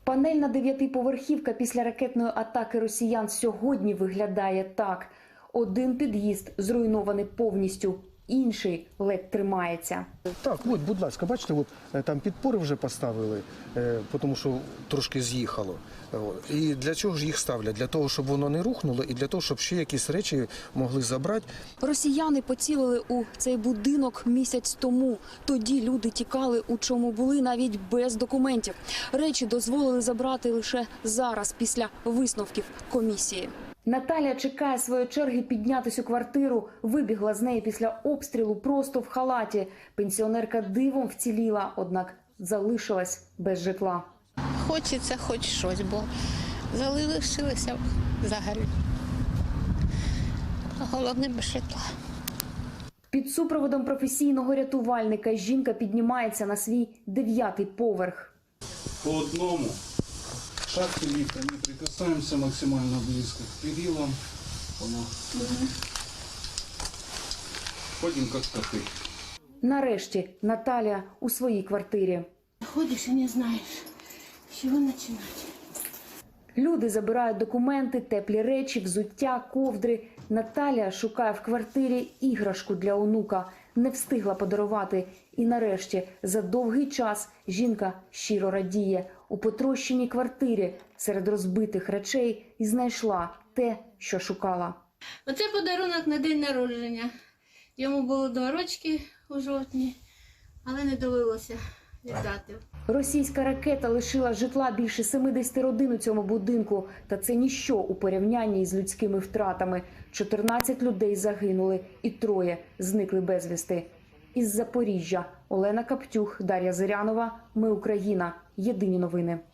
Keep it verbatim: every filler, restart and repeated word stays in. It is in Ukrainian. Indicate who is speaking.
Speaker 1: Панельна дев'ятиповерхівка після ракетної атаки росіян сьогодні виглядає так. Один під'їзд зруйнований повністю, інший ледь тримається.
Speaker 2: Так, от, будь ласка, бачите, от, там підпори вже поставили, е, тому що трошки з'їхало. І для чого ж їх ставлять? Для того, щоб воно не рухнуло і для того, щоб ще якісь речі могли забрати.
Speaker 1: Росіяни поцілили у цей будинок місяць тому. Тоді люди тікали, у чому були, навіть без документів. Речі дозволили забрати лише зараз, після висновків комісії. Наталя чекає своєї черги піднятись у квартиру. Вибігла з неї після обстрілу просто в халаті. Пенсіонерка дивом вціліла, однак залишилась без житла.
Speaker 3: Хочеться хоч щось, бо залишилися взагалі. Головне без житла.
Speaker 1: Під супроводом професійного рятувальника жінка піднімається на свій дев'ятий поверх.
Speaker 4: По одному шахти лифта не прикасаемся максимально близко к перилам. Ходим как коты.
Speaker 1: Нарешті Наталя у своїй квартирі.
Speaker 5: Ходишь и не знаешь, с чего начинать.
Speaker 1: Люди забирають документи, теплі речі, взуття, ковдри. Наталя шукає в квартирі іграшку для онука. Не встигла подарувати. І нарешті, за довгий час, жінка щиро радіє. У потрощеній квартирі серед розбитих речей і знайшла те, що шукала.
Speaker 5: Оце подарунок на день народження. Йому було два рочки у жовтні, але не довелося віддати.
Speaker 1: Російська ракета лишила житла більше семидесяти родин у цьому будинку. Та це ніщо у порівнянні з людськими втратами. чотирнадцять людей загинули і троє зникли безвісти. Із Запоріжжя Олена Каптюх, Дар'я Зирянова. Ми Україна. Єдині новини.